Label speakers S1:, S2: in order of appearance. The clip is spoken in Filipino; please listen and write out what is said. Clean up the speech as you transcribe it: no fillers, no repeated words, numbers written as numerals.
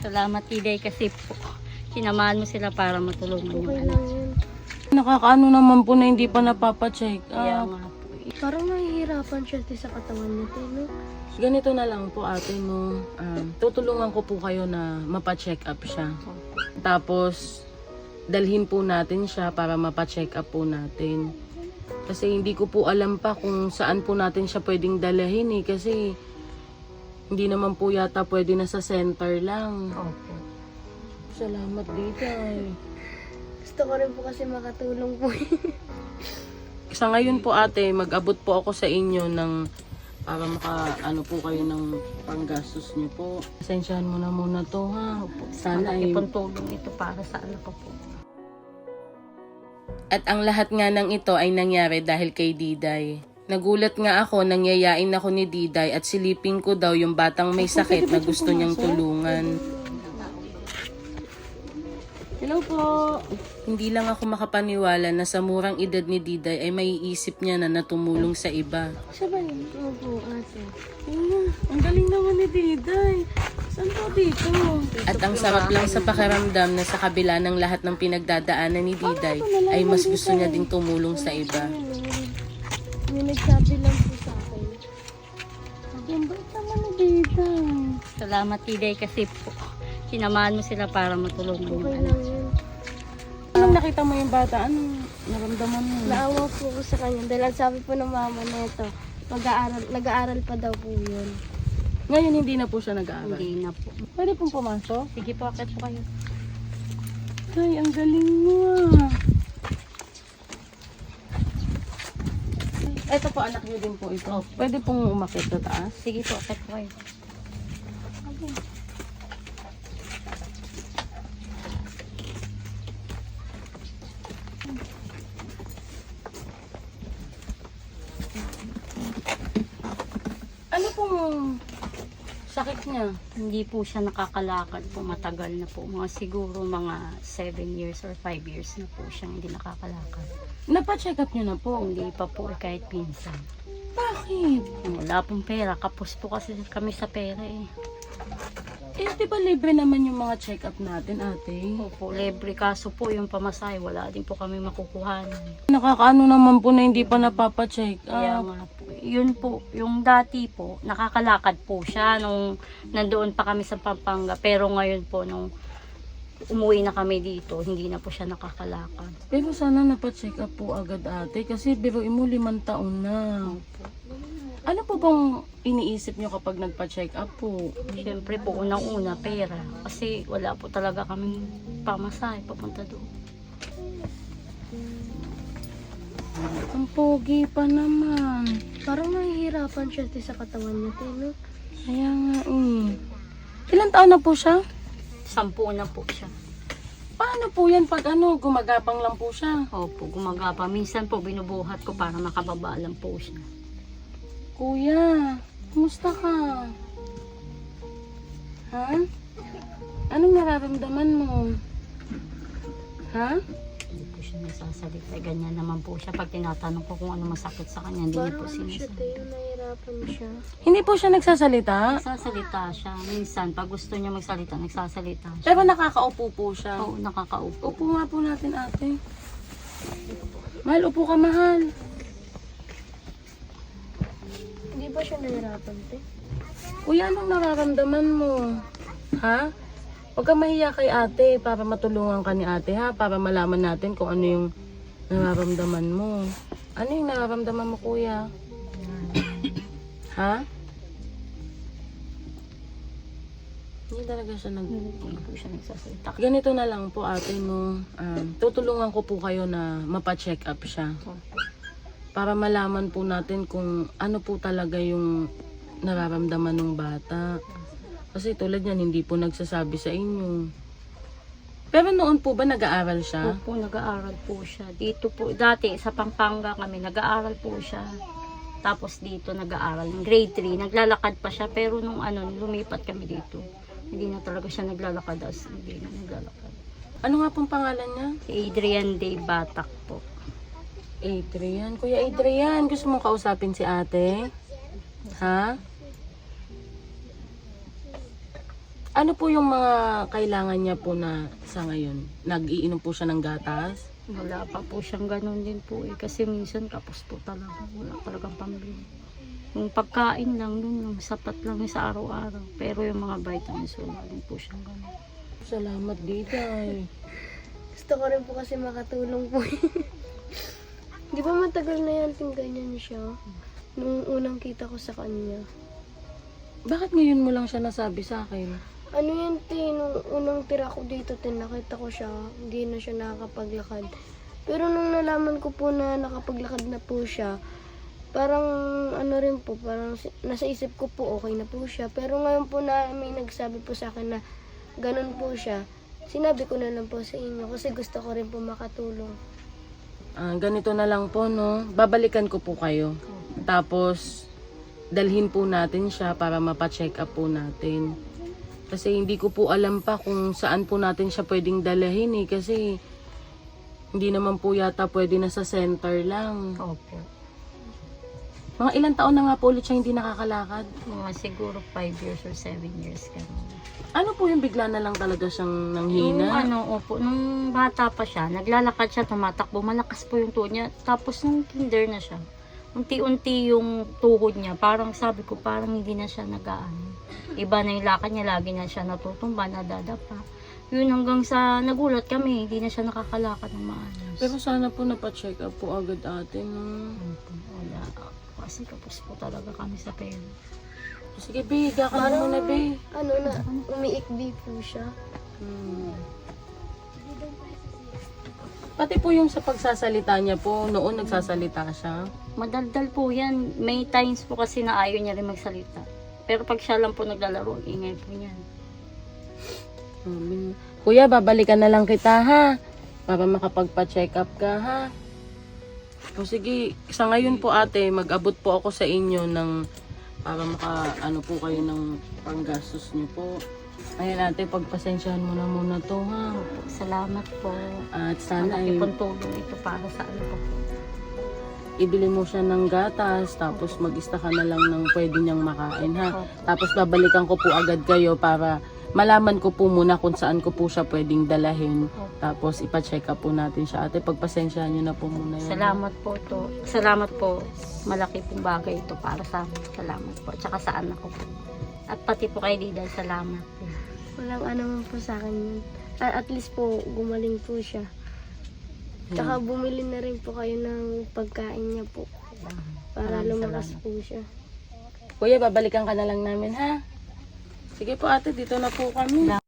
S1: Salamat, Tiday, kasi po sinamahan mo sila para matulungan yung
S2: Okay
S1: anak.
S2: lang yun.
S3: Nakakaano naman po na hindi pa napapacheck
S1: Kaya
S3: up.
S1: nga po.
S2: Parang nahihirapan siya sa katawan niya, no?
S3: Ganito na lang po ate, no? Tutulungan ko po kayo na mapacheck up siya. Tapos, dalhin po natin siya para mapacheck up po natin. Kasi hindi ko po alam pa kung saan po natin siya pwedeng dalahin eh. Kasi, hindi naman po yata pwede na sa center lang.
S1: Opo.
S3: Salamat dito
S2: Gusto ko rin po kasi makatulong po.
S3: Sa ngayon po ate, mag-abot po ako sa inyo ng para ano po kayo ng panggastos niyo po. Pasensyahan mo na muna to ha. Sana ay
S1: Malaki pong tulong ito para sa anak ko po.
S3: At ang lahat nga ng ito ay nangyari dahil kay Diday. Nagulat nga ako nang yayain ako ni Diday at silipin ko daw yung batang may sakit na gusto niyang tulungan.
S2: Hello po.
S3: Hindi lang ako makapaniwala na sa murang edad ni Diday ay maiisip niya na tumulong sa iba.
S2: Siya ba yun? Opo, ate.
S3: Ang galing naman ni Diday. Saan po dito? At ang sarap lang sa pakiramdam na sa kabila ng lahat ng pinagdadaanan ni Diday ay mas gusto niya ding tumulong sa iba.
S2: May nagsabi lang po sa akin. Ang bait naman ni Diday.
S1: Salamat, Tiday, kasi po sinamahan mo sila para matulungan yung
S2: Okay
S1: anak.
S2: lang yun.
S3: Anong nakita mo yung bata? Anong naramdaman mo?
S2: Naawa po ako sa kanya dahil ang sabi po ng mama nito, nag-aaral pa daw po yun.
S3: Ngayon hindi na po siya nag-aaral.
S1: Hindi na po.
S3: Pwede pong pumasok?
S1: Sige po, akit po kayo.
S3: Ay, ang galing mo ah. Ito po, anak niyo din po ito. Pwede pong umakit sa taas.
S1: Sige po, akit po kayo.
S3: Ano pong sakit niya?
S1: Hindi po siya nakakalakad po. Matagal na po. Mga siguro mga 7 years or 5 years na po siyang hindi nakakalakad.
S3: Napa-check up niyo na po.
S1: Hindi pa po kahit pinsan.
S3: Bakit?
S1: Wala pong pera. Kapos po kasi kami sa pera eh.
S3: Eh, di ba libre naman yung mga check up natin, ate?
S1: Opo, libre. Kaso po yung pamasahe, wala din po kami makukuhan.
S3: Nakakaano naman po na hindi pa napapacheck
S1: Kaya
S3: up.
S1: nga po. Yun po, yung dati po, nakakalakad po siya nung nandoon pa kami sa Pampanga. Pero ngayon po, nung umuwi na kami dito, hindi na po siya nakakalakad.
S3: Pero sana napacheck up po agad, ate. Kasi biruin mo 5 taon na. Ano po bang iniisip nyo kapag nagpa-check up po?
S1: Siyempre po, unang-una, pera. Kasi wala po talaga kaming pamasahe papunta doon.
S3: Ang pogi pa naman.
S2: Parang nahihirapan siya sa katawan niya, no?
S3: Kaya nga Ilan taon na po siya?
S1: 10 na po siya.
S3: Paano po yan pag gumagapang lang po siya?
S1: Opo, gumagapa. Minsan po, binubuhat ko para makababa lang po siya.
S3: Kuya, kumusta ka? Ha? Anong nararamdaman mo? Ha?
S1: Hindi po siya nagsasalita. Ganyan naman po siya. Pag tinatanong ko kung ano masakit sa kanya, hindi niya po
S2: Parang ano siya,
S1: sinasabi.
S2: tayo, nahihirapan siya.
S3: Hindi po siya nagsasalita?
S1: Nagsasalita siya. Minsan, pag gusto niya magsalita, nagsasalita siya.
S3: Pero nakakaupo po siya.
S1: Oo, nakakaupo.
S3: Upo nga po natin, ate. Mahal, upo ka, mahal.
S2: Hindi ba siya nahihirapan, te?
S3: Kuya, anong nararamdaman mo? Ha? Huwag kang mahiya kay ate para matulungan ka ni ate, ha? Para malaman natin kung ano yung nararamdaman mo. Ano yung nararamdaman mo, kuya? Ha? Hindi talaga siya
S1: Hindi po siya nagsasalita.
S3: Ganito na lang po, ate, no? Tutulungan ko po kayo na mapacheck up siya. Para malaman po natin kung ano po talaga yung nararamdaman ng bata. Kasi tulad yan, hindi po nagsasabi sa inyo. Pero noon po ba nag-aaral siya?
S1: Opo, nag-aaral po siya. Dito po, dati sa Pampanga kami, nag-aaral po siya. Tapos dito nag-aaral. Grade 3, naglalakad pa siya. Pero nung lumipat kami dito, hindi na talaga siya naglalakad. Hindi na naglalakad.
S3: Ano nga pong pangalan niya?
S1: Si Adrian Day Batak po.
S3: Adrian. Kuya Adrian, gusto mong kausapin si ate? Ha? Ano po yung mga kailangan niya po na sa ngayon? Nag-iinom po siya ng gatas?
S1: Wala pa po siyang ganun din po eh. Kasi minsan kapos po talaga. Wala talagang pambili. Yung pagkain lang, yun lang, sapat lang yun sa araw-araw. Pero yung mga vitamins, wala din po siyang ganun.
S3: Salamat, Diday.
S2: Gusto ko rin po kasi makatulong po. Di ba matagal na yan ting ganyan siya? Nung unang kita ko sa kanya.
S3: Bakit ngayon mo lang siya nasabi sa akin?
S2: Ano yan, nung unang tira ko dito, nakita ko siya, hindi na siya nakakapaglakad. Pero nung nalaman ko po na nakapaglakad na po siya, parang ano rin po, parang nasa isip ko po okay na po siya. Pero ngayon po na may nagsabi po sa akin na ganun po siya, sinabi ko na lang po sa inyo kasi gusto ko rin po makatulong.
S3: Ganito na lang po, no? Babalikan ko po kayo. Tapos, dalhin po natin siya para mapacheck up po natin. Kasi hindi ko po alam pa kung saan po natin siya pwedeng dalahin eh. Kasi, hindi naman po yata pwede na sa center lang.
S1: Opo.
S3: Mga ilang taon na nga po ulit siya hindi nakakalakad.
S1: Mga siguro 5 years or 7 years ganun.
S3: Ano po yung bigla na lang talaga siyang
S1: Yung
S3: nanghina?
S1: opo, nung bata pa siya, naglalakad siya, tumatakbo, malakas po yung tuhod niya. Tapos nung kinder na siya, unti-unti yung tuhod niya, parang sabi ko, parang hindi na siya nag-aano. Iba na yung lakad niya, lagi na siya natutumba, nadadapa. Yun hanggang sa nagulat kami, hindi na siya nakakalakad ng maayos.
S3: Pero sana po napacheck up po agad atin. No?
S1: Opo, wala. Kasi kapos po talaga kami sa pera.
S3: Sige, Be, higa ka na muna, Be.
S2: Ano na, umiikbi po siya.
S3: Pati po yung sa pagsasalita niya po, noon nagsasalita siya.
S1: Madaldal po yan. May times po kasi na ayaw niya rin magsalita. Pero pag siya lang po naglalaro, ingay po niyan.
S3: Kuya, babalikan na lang kita, ha? Para makapagpa-check up ka, ha? O sige, sa ngayon po ate, mag-abot po ako sa inyo ng para ano po kayo ng panggastos niyo po. Ayan ate, pagpasensyahan mo na muna to, ha?
S1: Opo, salamat po.
S3: At sana
S1: Malaki
S3: ay
S1: pong tulong ito para sa ano po.
S3: ibili mo siya ng gatas, tapos mag-ista ka na lang ng pwede niyang makain, ha?
S1: Opo.
S3: Tapos babalikan ko po agad kayo para malaman ko po muna kung saan ko po siya pwedeng dalahin. Tapos ipa-check up po natin siya. Ate, pagpasensyahan niyo na po muna yan.
S1: Salamat po to. Salamat po. Malaki pong bagay ito para sa amin. Salamat po. Tsaka sa anak ko po. At pati po kay Diday, salamat po.
S2: Walang ano man po sa akin yun. At least po, gumaling po siya. Tsaka bumili na rin po kayo ng pagkain niya po. Para
S1: Maraming
S2: lumakas
S1: salamat.
S2: po siya.
S3: Kuya, babalikan ka na lang namin, ha? Sige po ate, dito na po kami.